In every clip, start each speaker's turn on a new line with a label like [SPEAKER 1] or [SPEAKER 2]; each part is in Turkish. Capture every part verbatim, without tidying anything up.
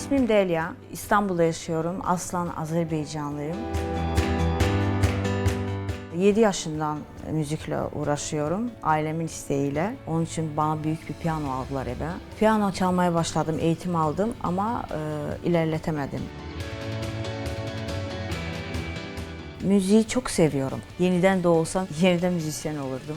[SPEAKER 1] İsmim Delia. İstanbul'da yaşıyorum. Aslan Azerbaycanlıyım. yedi yaşından müzikle uğraşıyorum. Ailemin isteğiyle. Onun için bana büyük bir piyano aldılar eve. Piyano çalmaya başladım, eğitim aldım ama e, ilerletemedim. Müziği çok seviyorum. Yeniden doğsam yeniden müzisyen olurdum.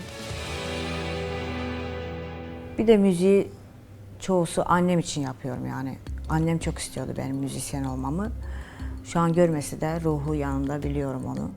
[SPEAKER 1] Bir de müziği çoğusu annem için yapıyorum yani. Annem çok istiyordu benim müzisyen olmamı. Şu an görmesi de ruhu yanımda, biliyorum onu.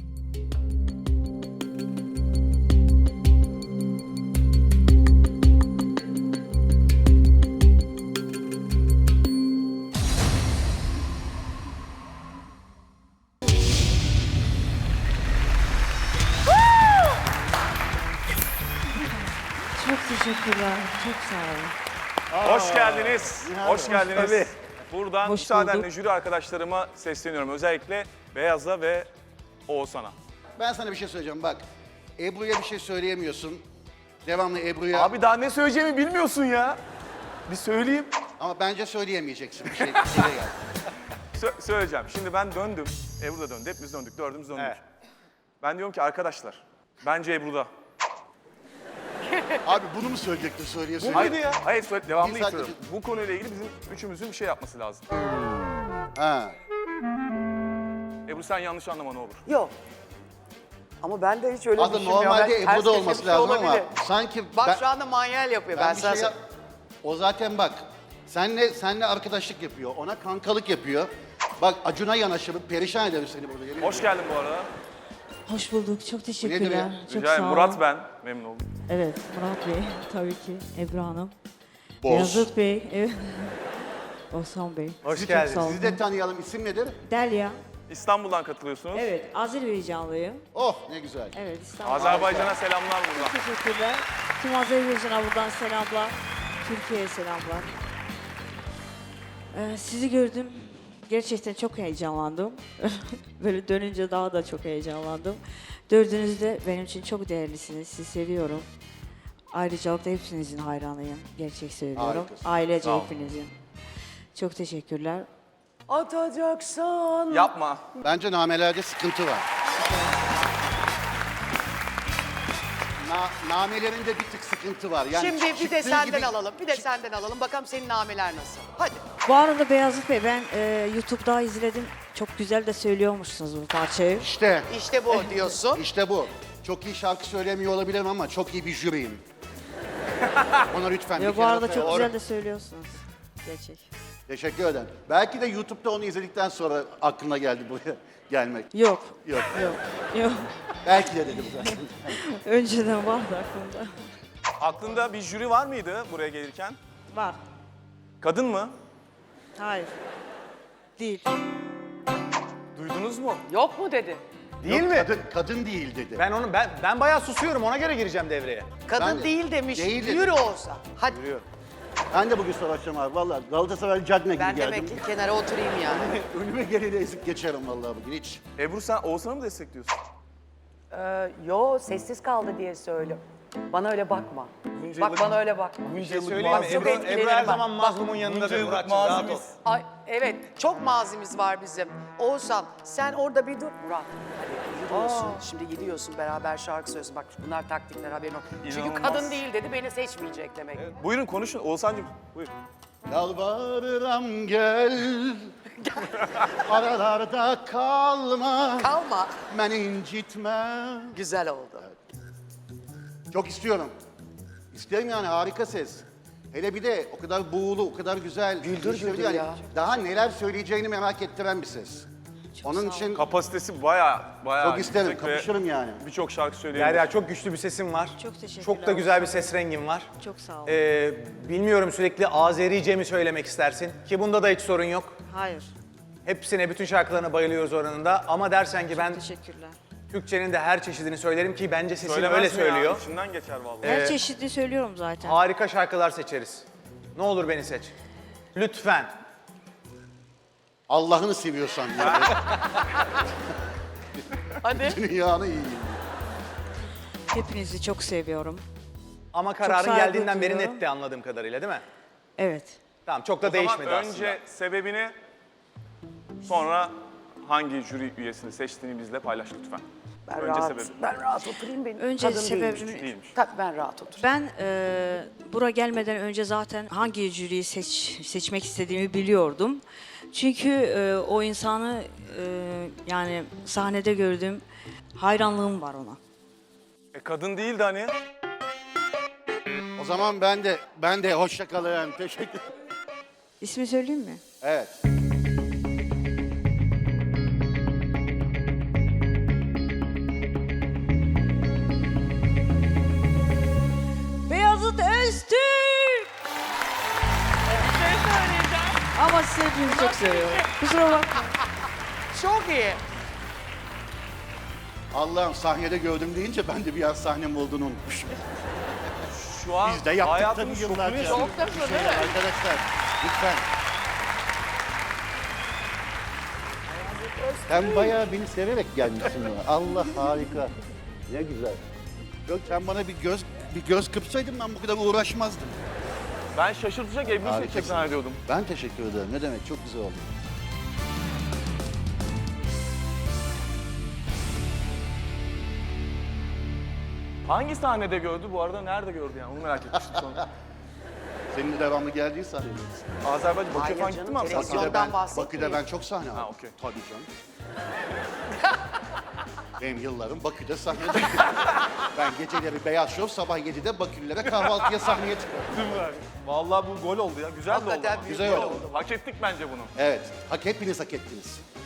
[SPEAKER 1] Çok teşekkürler, çok sağ olun.
[SPEAKER 2] Hoş geldiniz. Hoş geldiniz.
[SPEAKER 3] Tabii.
[SPEAKER 2] Buradan
[SPEAKER 1] Hoş
[SPEAKER 2] müsaadenle
[SPEAKER 1] bulduk.
[SPEAKER 2] jüri arkadaşlarıma sesleniyorum. Özellikle Beyaz'a ve Oğuzhan'a.
[SPEAKER 3] Ben sana bir şey söyleyeceğim bak. Ebru'ya bir şey söyleyemiyorsun. Devamlı Ebru'ya.
[SPEAKER 2] Abi daha ne söyleyeceğimi bilmiyorsun ya. Bir söyleyeyim.
[SPEAKER 3] Ama bence söyleyemeyeceksin bir şey. Bir şeye gel.
[SPEAKER 2] Sö- söyleyeceğim. Şimdi ben döndüm. Ebru da döndü. Hepimiz döndük. Dördümüz döndük.
[SPEAKER 3] Evet.
[SPEAKER 2] Ben diyorum ki arkadaşlar, bence Ebru'da.
[SPEAKER 3] Abi bunu mu söyleyecektin söyleye söyleye?
[SPEAKER 2] Hayır ya. Hayır, söyle, devamlı
[SPEAKER 3] Bir saat-
[SPEAKER 2] istiyorum. Bu konuyla ilgili bizim üçümüzün bir şey yapması lazım.
[SPEAKER 3] Ha.
[SPEAKER 2] Ebru sen yanlış anlama ne olur.
[SPEAKER 4] Yok. Ama ben de hiç öyle
[SPEAKER 3] Aslında
[SPEAKER 4] düşünmüyorum.
[SPEAKER 3] normalde
[SPEAKER 4] Ben- ters
[SPEAKER 3] Ebru'da
[SPEAKER 4] köşe
[SPEAKER 3] olması
[SPEAKER 4] bir şey
[SPEAKER 3] lazım ama
[SPEAKER 4] olabilir.
[SPEAKER 3] sanki
[SPEAKER 4] Bak
[SPEAKER 3] ben,
[SPEAKER 4] şu anda manyel yapıyor. Ben,
[SPEAKER 3] ben bir
[SPEAKER 4] sana
[SPEAKER 3] şey yap- O zaten bak. Senle senle arkadaşlık yapıyor. Ona kankalık yapıyor. Bak Acun'a yanaşır. Perişan ederim seni burada. yemin
[SPEAKER 2] Hoş
[SPEAKER 3] ediyorum.
[SPEAKER 2] geldin bu arada.
[SPEAKER 1] Hoş bulduk, çok teşekkürler.
[SPEAKER 3] ya?
[SPEAKER 1] Çok
[SPEAKER 2] Rica
[SPEAKER 1] sağ
[SPEAKER 2] ederim.
[SPEAKER 1] olun.
[SPEAKER 2] Murat ben. Memnun oldum.
[SPEAKER 1] Evet, Murat Bey, tabii ki. Ebru Hanım.
[SPEAKER 3] Boz.
[SPEAKER 1] Beyazıt Bey, evet. Osman Bey.
[SPEAKER 3] Hoş
[SPEAKER 1] Sizi
[SPEAKER 3] geldiniz.
[SPEAKER 1] Çok sağ olun.
[SPEAKER 3] Sizi de tanıyalım. İsim nedir?
[SPEAKER 1] Delia.
[SPEAKER 2] İstanbul'dan katılıyorsunuz.
[SPEAKER 1] Evet, Azerbaycanlıyım.
[SPEAKER 3] Oh ne güzel.
[SPEAKER 1] Evet, İstanbul.
[SPEAKER 2] Azerbaycan'a selamlar buradan.
[SPEAKER 1] Teşekkürler. Tüm Azerbaycan'a buradan selamlar. Türkiye'ye selamlar. Ee, sizi gördüm. Gerçekten çok heyecanlandım. Böyle dönünce daha da çok heyecanlandım. Dördünüz de benim için çok değerlisiniz. Sizi seviyorum. Ayrıca da hepsinizin hayranıyım. Gerçek söylüyorum.
[SPEAKER 3] Harikasın.
[SPEAKER 1] Ailece
[SPEAKER 2] Sağ ol.
[SPEAKER 1] hepinizin. Çok teşekkürler.
[SPEAKER 4] Atacaksan.
[SPEAKER 2] Yapma.
[SPEAKER 3] Bence namelerde sıkıntı var. Na, namelerinde bir tık sıkıntı var. Yani
[SPEAKER 4] Şimdi bir de
[SPEAKER 3] çıktığı
[SPEAKER 4] senden
[SPEAKER 3] gibi-
[SPEAKER 4] alalım. Bir de senden alalım. Bakalım senin nameler nasıl. Hadi.
[SPEAKER 1] Bu arada Beyazıt Bey, ben e, YouTube'da izledim. Çok güzel de söylüyormuşsunuz bu parçayı.
[SPEAKER 3] İşte,
[SPEAKER 4] İşte bu diyorsun.
[SPEAKER 3] işte bu. Çok iyi şarkı söylemiyor olabilirim ama çok iyi bir jüriyim. Ona lütfen bir
[SPEAKER 1] Ya bu
[SPEAKER 3] kere
[SPEAKER 1] arada
[SPEAKER 3] laf-
[SPEAKER 1] çok
[SPEAKER 3] Doğru.
[SPEAKER 1] güzel de söylüyorsunuz. Gerçek.
[SPEAKER 3] Teşekkür ederim. Belki de YouTube'da onu izledikten sonra aklına geldi buraya gelmek.
[SPEAKER 1] Yok.
[SPEAKER 3] Yok.
[SPEAKER 1] Yok. Yok.
[SPEAKER 3] Belki de dedim zaten.
[SPEAKER 1] Önceden vardı aklımda.
[SPEAKER 2] Aklında bir jüri var mıydı buraya gelirken?
[SPEAKER 1] Var.
[SPEAKER 2] Kadın mı?
[SPEAKER 1] Hayır. Değil.
[SPEAKER 2] Duydunuz mu?
[SPEAKER 4] Yok mu dedi?
[SPEAKER 5] Değil
[SPEAKER 3] Yok,
[SPEAKER 5] mi?
[SPEAKER 3] Kadın, kadın değil dedi.
[SPEAKER 5] Ben onu ben ben bayağı susuyorum, ona göre gireceğim devreye.
[SPEAKER 4] Kadın
[SPEAKER 3] Ben de-
[SPEAKER 4] değil demiş.
[SPEAKER 3] değil dedi.
[SPEAKER 4] Yürü olsa. Hadi.
[SPEAKER 3] Ben de bugün savaşacağım abi. Vallahi Galatasaray Cagney gibi
[SPEAKER 4] Ben
[SPEAKER 3] geldim.
[SPEAKER 4] demek ki kenara oturayım yani.
[SPEAKER 3] Önüme geleni ezip geçerim vallahi bugün hiç.
[SPEAKER 2] Ebru sen Oğuzhan'ı mı destekliyorsun?
[SPEAKER 4] Ee, yo sessiz kaldı diye söylüyorum. Bana öyle bakma.
[SPEAKER 2] Bunca
[SPEAKER 4] Bak
[SPEAKER 2] yıllık-
[SPEAKER 4] bana öyle bakma.
[SPEAKER 2] Bunca
[SPEAKER 5] Bir şey
[SPEAKER 2] yıllık
[SPEAKER 5] söyleyeyim mi?
[SPEAKER 4] Bak, çok
[SPEAKER 5] Ebru,
[SPEAKER 4] etkilenirim
[SPEAKER 5] Ebru her
[SPEAKER 4] ben.
[SPEAKER 5] zaman mazlumun yanındadır
[SPEAKER 2] yıllık
[SPEAKER 5] Murat'cığım. Rahat ol.
[SPEAKER 2] mazimiz.
[SPEAKER 4] Ay, evet, çok mazimiz var bizim. Oğuzhan, sen orada bir dur. Murat, hadi gidiyorsun. Şimdi gidiyorsun, beraber şarkı söylüyorsun. Bak bunlar taktikler, haberin yok. Çünkü
[SPEAKER 2] İnanılmaz.
[SPEAKER 4] kadın değil dedi, beni seçmeyecek demek.
[SPEAKER 2] Buyurun konuşun Oğuzhan'cığım. Buyur.
[SPEAKER 3] Yalvarırım gel. Aralarda kalma.
[SPEAKER 4] Kalma.
[SPEAKER 3] Beni incitme.
[SPEAKER 4] Güzel oldu.
[SPEAKER 3] Çok istiyorum. İsterim yani, harika ses. Hele bir de o kadar buğulu, o kadar güzel.
[SPEAKER 4] Güldür
[SPEAKER 3] İşte bir
[SPEAKER 4] güldür
[SPEAKER 3] yani
[SPEAKER 4] ya.
[SPEAKER 3] Daha neler söyleyeceğini merak ettiren bir ses. Onun için
[SPEAKER 2] Kapasitesi baya baya
[SPEAKER 3] çok isterim,
[SPEAKER 2] yüksek ve
[SPEAKER 3] kapışırım yani.
[SPEAKER 2] Birçok şarkı söyleyebilir.
[SPEAKER 5] Derya, çok güçlü bir sesin var.
[SPEAKER 1] Çok teşekkürler.
[SPEAKER 5] Çok da güzel bir ses rengin var.
[SPEAKER 1] Çok sağ olun.
[SPEAKER 5] Ee, bilmiyorum, sürekli Azerice mi söylemek istersin? Ki bunda da hiç sorun yok.
[SPEAKER 1] Hayır.
[SPEAKER 5] Hepsine, bütün şarkılarına bayılıyoruz oranında. Ama dersen ki ben
[SPEAKER 1] Teşekkürler.
[SPEAKER 5] Türkçenin de her çeşidini söylerim ki bence sesin
[SPEAKER 2] Söylemez
[SPEAKER 5] öyle
[SPEAKER 2] mi ya?
[SPEAKER 5] söylüyor.
[SPEAKER 2] İçinden geçer vallahi.
[SPEAKER 1] Her çeşitli söylüyorum zaten.
[SPEAKER 5] Harika şarkılar seçeriz. Ne olur beni seç. Lütfen.
[SPEAKER 3] Allah'ını seviyorsan yani.
[SPEAKER 4] Hadi.
[SPEAKER 3] Dünyanı yiyeyim.
[SPEAKER 1] Hepinizi çok seviyorum.
[SPEAKER 5] Ama kararın
[SPEAKER 1] saygı
[SPEAKER 5] geldiğinden beri
[SPEAKER 1] duyuyorum.
[SPEAKER 5] netti anladığım kadarıyla, değil mi?
[SPEAKER 1] Evet.
[SPEAKER 5] Tamam çok da
[SPEAKER 2] O zaman
[SPEAKER 5] değişmedi
[SPEAKER 2] önce
[SPEAKER 5] aslında.
[SPEAKER 2] sebebini, sonra hangi jüri üyesini seçtiğini bizle paylaş lütfen.
[SPEAKER 4] Ben
[SPEAKER 2] önce
[SPEAKER 4] rahat,
[SPEAKER 2] sebebi.
[SPEAKER 4] ben rahat oturayım benim.
[SPEAKER 1] Önce
[SPEAKER 4] Kadın
[SPEAKER 1] sebebini-
[SPEAKER 4] değilmiş.
[SPEAKER 2] Değilmiş.
[SPEAKER 4] Tabii ben rahat oturayım.
[SPEAKER 1] Ben e, buraya gelmeden önce zaten hangi jüriyi seç, seçmek istediğimi biliyordum. Çünkü e, o insanı e, yani sahnede gördüm, hayranlığım var ona.
[SPEAKER 2] E kadın değildi hani.
[SPEAKER 3] O zaman ben de ben de hoşça kalın. Teşekkür.
[SPEAKER 1] İsmi söyleyeyim mi?
[SPEAKER 3] Evet.
[SPEAKER 1] Beyazıt Öztürk! Ama sizi hepinizi çok seviyorum. Kusura bakma.
[SPEAKER 4] Çok iyi.
[SPEAKER 3] Allah'ım sahnede gördüm deyince ben de bir an sahnem olduğunu unutmuşum.
[SPEAKER 2] Şu an
[SPEAKER 3] Biz de yaptık
[SPEAKER 2] hayatını
[SPEAKER 3] tabii
[SPEAKER 2] şokunu
[SPEAKER 3] yıllarca.
[SPEAKER 2] yaşıyoruz.
[SPEAKER 4] Çok da
[SPEAKER 3] Bir şeyler arkadaşlar. Lütfen. Sen bayağı beni severek gelmişsin bana. Allah harika. Ne güzel. Yok sen bana bir göz bir göz kırpsaydın ben bu kadar uğraşmazdım.
[SPEAKER 2] Ben şaşırtacak evli
[SPEAKER 3] Harikasın.
[SPEAKER 2] seçecek zannediyordum.
[SPEAKER 3] Ben teşekkür ederim. Ne demek çok güzel oldu.
[SPEAKER 2] Hangi sahnede gördü bu arada? Nerede gördü yani? Onu merak etmiştim sonra.
[SPEAKER 3] Senin de devamlı geldiği sahnedeyiz.
[SPEAKER 2] Azerbaycan, Bakü'ye
[SPEAKER 4] Hayır
[SPEAKER 2] falan
[SPEAKER 4] canım,
[SPEAKER 2] gitti mi abi? sen?
[SPEAKER 4] televizyon-
[SPEAKER 3] Bakü'de
[SPEAKER 4] Ondan
[SPEAKER 3] ben,
[SPEAKER 4] bahsetmiyor.
[SPEAKER 3] Bakü'de ben çok sahne aldım.
[SPEAKER 2] Ha, okey.
[SPEAKER 3] Tabii canım. Benim yıllarım Bakü'de sahnede. Ben geceleri Beyaz Şov, sabah yedide Bakülülere kahvaltıya sahneye çıkarım.
[SPEAKER 2] Vallahi bu gol oldu ya. Güzel de oldu
[SPEAKER 4] Hakikaten
[SPEAKER 2] ama.
[SPEAKER 4] büyük
[SPEAKER 3] Güzel
[SPEAKER 4] gol
[SPEAKER 3] oldu.
[SPEAKER 4] oldu.
[SPEAKER 2] Hak ettik bence bunu.
[SPEAKER 3] Evet, hak hepiniz hak ettiniz.